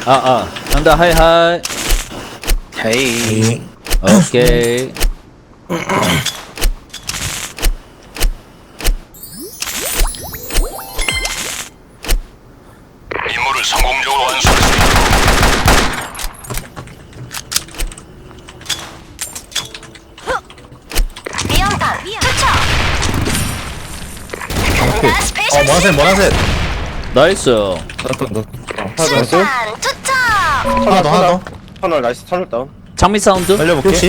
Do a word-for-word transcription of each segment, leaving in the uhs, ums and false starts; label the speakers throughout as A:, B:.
A: 아아 간다 하이하이.
B: 헤이.
A: 오케이.
C: 임무를 성공적으로 완수할 수 있도록
D: 미연탄 투척.
B: 어,
D: 스페셜
B: 모나셋, 모나셋.
A: 나이스.
B: 나도, 너. 하나 더,
D: 수탄 투척.
B: 하나 더, 하나 더.
E: 터널 나이스 터널 다운.
A: 장미 사운드.
B: 날려볼게. 육십.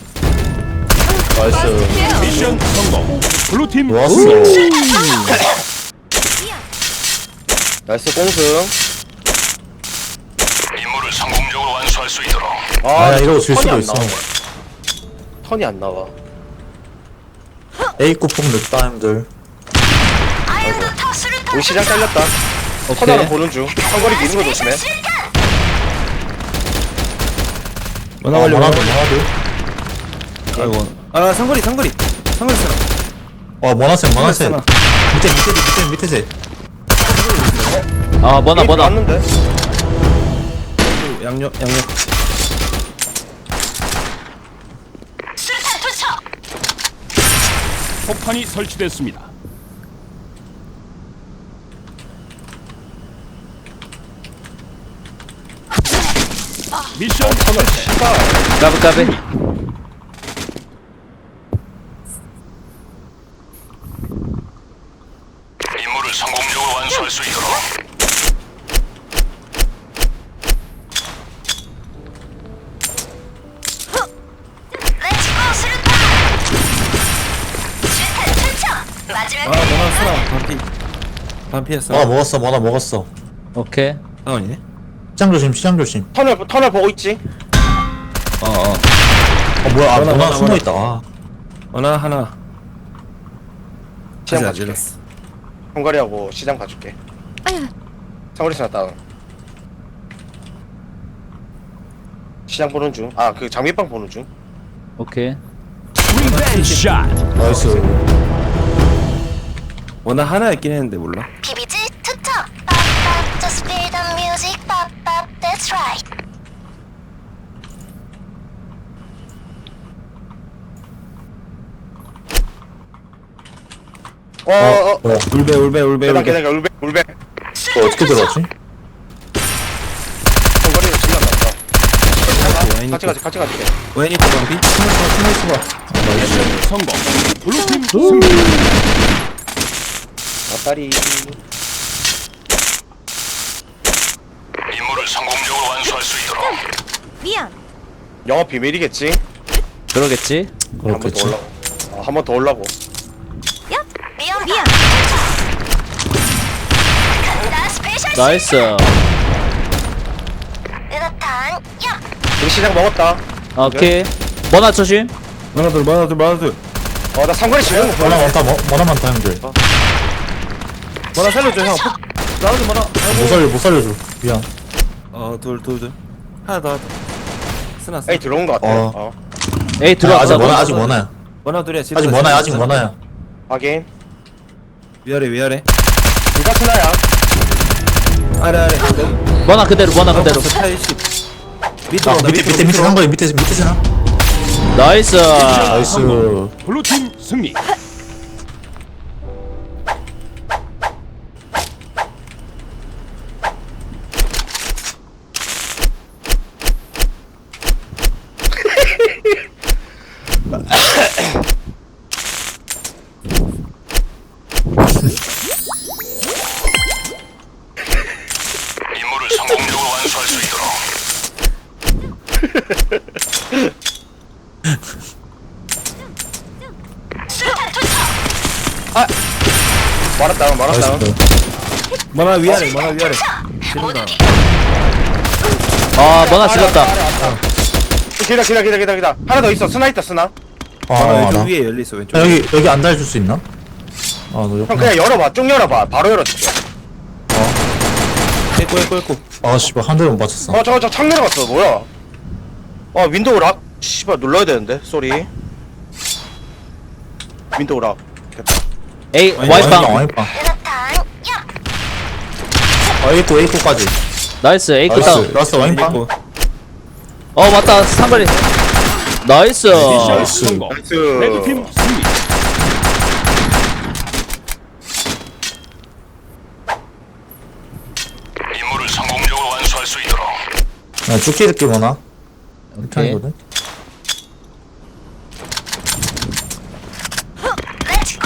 B: 나이스.
C: 미션 성공. 블루팀
B: 좋았어.
E: 나이스 공승.
C: 임무를 성공적으로 완수할 수 있도록
B: 아, 이러고 질
E: 턴이
B: 수도
E: 안
B: 있어.
E: 나와. 턴이 안 나와.
B: A 쿠폰 늦다, 형들.
D: 아이언도 터스를
E: 우리 시장 잘렸다.
A: 오케이.
E: 터널을 보는 중. 상거리 미는 거 조심해.
B: 모나 걸려, 모나 걸려.
F: 아이고. 아, 상거리, 상거리. 상거리 쓰나.
B: 와, 모나셋, 모나셋.
F: 쓰나.
B: 밑에, 밑에, 밑에, 밑에 셋.
A: 아 뭐나 뭐나.
E: 왔는데.
F: 양옆, 양옆.
D: 수탄 투척.
C: 폭탄이 설치됐습니다. 미션 성공.
A: 까비 까비.
C: 임무를 성공적으로 완수할 수 있도록
D: 렛츠고 수류탄. 수탄 투척. 마지막
F: 아, 모나 쓰나. 반피. 반피했어.
B: 모나 먹었어, 모나 먹었어.
A: 오케이.
F: 다운이네.
B: 시장 조심, 시장 조심.
E: 터널 터널 보고 있지.
F: 어, 어.
B: 어, 뭐야, 아,
F: 모나,
B: 모나
F: 모나,
B: 숨어있다. 아.
F: 모나 하나.
E: 시장
F: 아직 안
E: 가줄게.
F: 질렀어.
E: 상거리하고 시장 가줄게. 상거리 스나 다운. 시장 보는 중. 아 그 장미빵 보는 중.
A: 오케이.
C: 리벤지 샷.
B: 나이스.
F: 모나 하나 있긴 했는데 몰라.
D: 비비지 투척. 빡빡 just feel the music. 빡빡 that's right.
E: 어어 어.
B: 뭐야,
F: 울베, 울베, 울베,
E: 계단
F: 울베.
E: 계단 울베 울베.
B: 어, 어떻게 들어왔지?
E: 상거리로 질렀나 보다.
F: 와인이
E: 같이 가지 같이 가줄게.
F: 웨인이 또 반피?
C: 미션 성공. 블루팀 승리.
E: 아따리.
C: 임무를 성공적으로 완수할 수 있도록
D: 미안.
E: 영업 비밀이겠지.
A: 그러겠지.
E: 한 번 더
B: 그렇겠지.
E: 올라고. 어, 한 번 더 올라고.
D: 얍. 미안 미안. 간다 스페셜.
A: 나이스.
D: 으탄. 얍.
E: 우리 시장 먹었다.
A: 오케이. 뭐나 조심.
F: 모나 둘, 모나 둘, 모나 둘.
E: 어 나 상거리 지르는 거
B: 모나
E: 보여.
B: 많다, 모- 모나 많다, 형들.
F: 모나 살려줘, 형. 폭. 나도 모나.
B: 못 살려, 못 살려줘. 미안.
F: 어, 둘, 둘, 둘. 하나 더, 하나 더. 쓰나, 쓰나.
E: 에이 들어온 거 같아.
B: 어.
E: 어.
A: 에이
B: 아직
A: 들어왔다.
B: 모나, 아직 모나야.
F: 모나 둘이야.
B: 아직 모나야, 아직 모나야.
E: 확인.
F: 위아래, 위아래.
E: 누가 스나야?
F: 아래, 아래.
A: 뭐나 그대로 뭐나 그대로.
F: 팔십. 밑으로
B: 아,
F: 온다,
B: 밑에, 밑에, 밑에 산 거야, 밑에, 밑에 쓰나?
A: 나이스.
B: 나이스.
C: 블루팀 승리. 임무를 성공적으로 완수할 수 있도록
D: 수탄 투척.
E: 말았다 말았다.
B: 나이스.
F: 모나 위아래, 모나 위아래. 지른다.
A: 아 뭐나 질렀다.
E: 기다 기다 기다 기다 기다. 하나 더 있어. 스나 있다 스나.
B: 아,
F: 모나
B: 아,
F: 왼쪽
B: 나.
F: 위에 열려있어, 왼쪽.
B: 야, 여기, 여기 안 달줄 수 있나? 아, 너
E: 형
B: 옆에.
E: 그냥 열어봐. 쭉 열어봐. 바로 열어줄게.
F: 에코, 에코, 에코.
B: 아, 씨발, 한 대만 맞췄어.
E: 어 저거 저창 내려갔어. 뭐야? 어 윈도우 락. 씨발 눌러야 되는데. 쏘리. 윈도우 락. 됐다.
A: 에이
B: 와이빵,
A: 와이빵.
B: 와이빵.
D: 으탄. 얍.
B: 아, A 구, A 구까지.
A: 나이스 에이
B: 나이스
A: 다운.
B: 라스트 와인빵.
F: 고
A: 어 맞다 상거리. 나이스.
B: 나이스.
E: 나이스.
G: 레드팀 승리.
C: 임무를 성공적으로 완수할 수 있도록.
B: 야 죽기 듣기 뭐나? 편이거든.
D: 렛츠고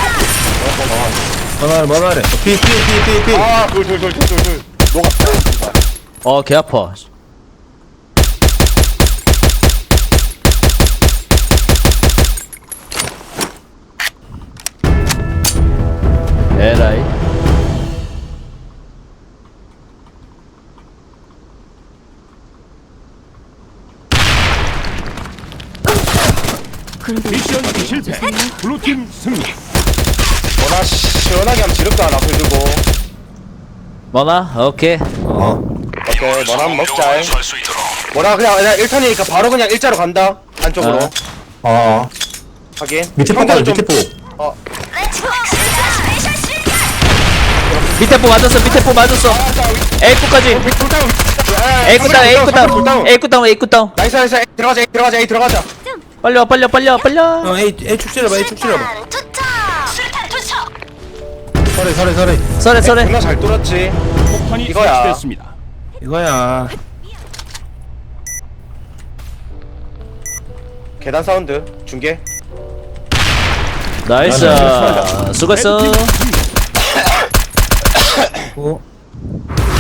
F: 만화래 만화래
B: 피피피피피.
E: 아, 돌, 돌, 돌, 돌, 돌, 돌. 녹았다.
A: 어 개 아파. 에라이.
G: 미션 실패. 블루팀 승리.
E: 뭐나 시원하게 하면 지름도 하나 들고.
A: 뭐나 오케이.
B: 어.
E: 오케이, 뭐나 한번
C: 성공적으로
E: 먹자.
C: 완수할 수 있도록.
E: 뭐나 그냥, 그냥 일 턴이니까 바로 그냥 일자로 간다. 안쪽으로.
A: 아.
B: 아
E: 하긴.
B: 밑에 폭
E: 형들은
B: 가자
E: 좀-
B: 밑에 폭.
E: 어,
D: 렛츠고 스페셜 스페셜
A: 밑에 포 맞았어 밑에 포 맞았어. 에이 끝까지.
E: 불다운.
A: 에이 끝 다운 에이 끝 다운 에이 끝 다운 에이 끝 다운.
E: 나이스, 나이스. 에이, 들어가자, 에이, 들어가자, 에이, 들어가자.
A: 빨리 와 빨리 와 빨리 와 빨리 와.
F: 형 A A 축 찔러봐 A 축 찔러봐
D: 수류탄 투척 수류탄 투척
B: 서래 서래 서래.
A: 서래 서래.
E: 존나 잘 뚫었지.
G: 폭탄이
E: 이거야.
G: 설치됐습니다.
F: 이거야
E: 계단 사운드. 중계.
A: 나이스. 수고했어.
G: 레드팀 승리.
F: 고